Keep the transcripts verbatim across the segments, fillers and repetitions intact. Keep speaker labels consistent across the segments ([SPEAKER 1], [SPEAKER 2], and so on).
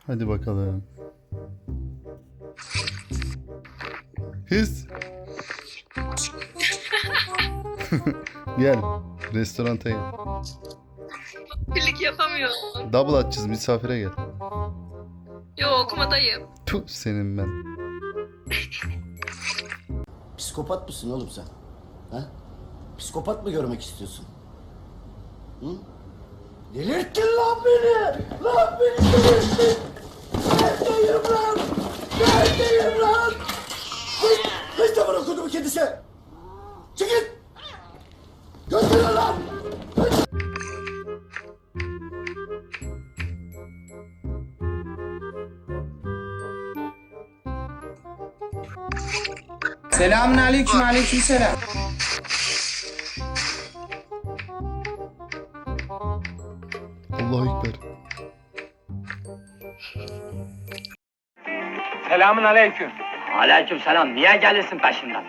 [SPEAKER 1] Hadi bakalım. Hız. Gel. Restoranta gel.
[SPEAKER 2] Birlik yapamıyorum.
[SPEAKER 1] Double atacağız, misafire gel.
[SPEAKER 2] Yo, okumadayım.
[SPEAKER 1] Puh senin ben.
[SPEAKER 3] Psikopat mısın oğlum sen? Ha? Psikopat mı görmek istiyorsun? Hı? Delirttin lan beni! Lan beni delirttin! Neredeyim lan? Neredeyim lan? Hiç, hiç de bırak kodumu kedisi! Çekil! Götürün lan!
[SPEAKER 4] Selamun aleyküm, aleyküm selam.
[SPEAKER 1] Allahu Ekber.
[SPEAKER 5] Selamun aleyküm.
[SPEAKER 6] Aleyküm selam. Niye gelirsin peşimden?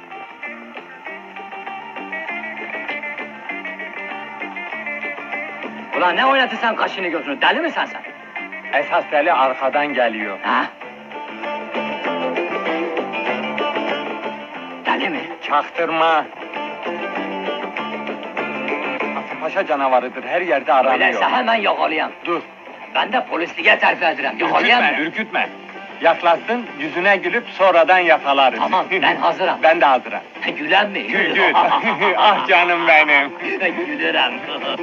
[SPEAKER 6] Ulan ne oynatırsan kaşını gözünü? Deli misin sen?
[SPEAKER 5] Esas deli arkadan geliyor.
[SPEAKER 6] Ha? Deli mi?
[SPEAKER 5] Çaktırma. Paşa canavarıdır, her yerde aranıyor.
[SPEAKER 6] Öyleyse hemen yakalayayım.
[SPEAKER 5] Dur,
[SPEAKER 6] Ben de polisliğe terfi ederim. Yakalayayım
[SPEAKER 5] ürkütme,
[SPEAKER 6] mı?
[SPEAKER 5] ürkütme. Yaklaşsın, yüzüne gülüp sonradan yakalarız.
[SPEAKER 6] Tamam, ben hazırım.
[SPEAKER 5] Ben de hazırım.
[SPEAKER 6] Gülen mi?
[SPEAKER 5] Gül gül. Ah canım benim.
[SPEAKER 6] Gülürüm.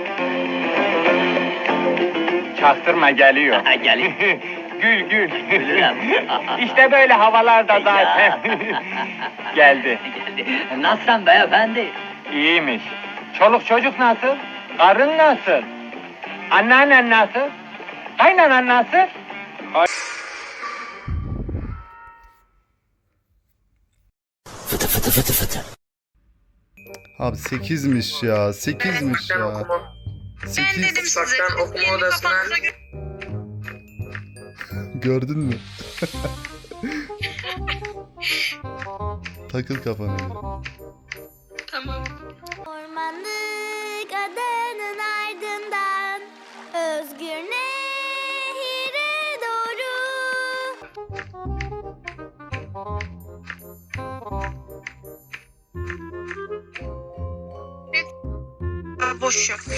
[SPEAKER 5] Çaktırma, geliyor.
[SPEAKER 6] Gelin.
[SPEAKER 5] Gül gül.
[SPEAKER 6] Gülürüm.
[SPEAKER 5] İşte böyle havalarda zaten. Geldi.
[SPEAKER 6] Geldi. Nasılsın beyefendi?
[SPEAKER 5] İyiymiş. Çoluk çocuk nasıl? Karın nasıl? Anneannen nasıl? Kaynanan nasıl?
[SPEAKER 3] Fıtı fıtı fıtı fıtı.
[SPEAKER 1] Abi sekizmiş ya. sekizmiş ya.
[SPEAKER 2] Ben
[SPEAKER 1] sekiz.
[SPEAKER 2] dedim size.
[SPEAKER 7] Uzaktan okuma
[SPEAKER 2] Elini
[SPEAKER 7] odasına-
[SPEAKER 2] kafanıza gö-
[SPEAKER 1] Gördün mü? Takıl kafana.
[SPEAKER 2] Tamam.
[SPEAKER 8] Ormanlık adanın ardından özgür nehire doğru.
[SPEAKER 2] Aa, boş yok.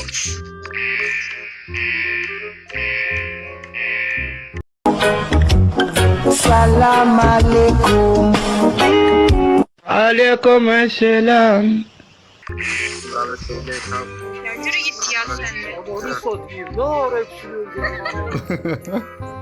[SPEAKER 4] Salam aleyküm. Aleyküm selam.
[SPEAKER 2] Ya yürü git ya sen de.
[SPEAKER 7] Onu satayım. Ne ara hepsini öldürdün?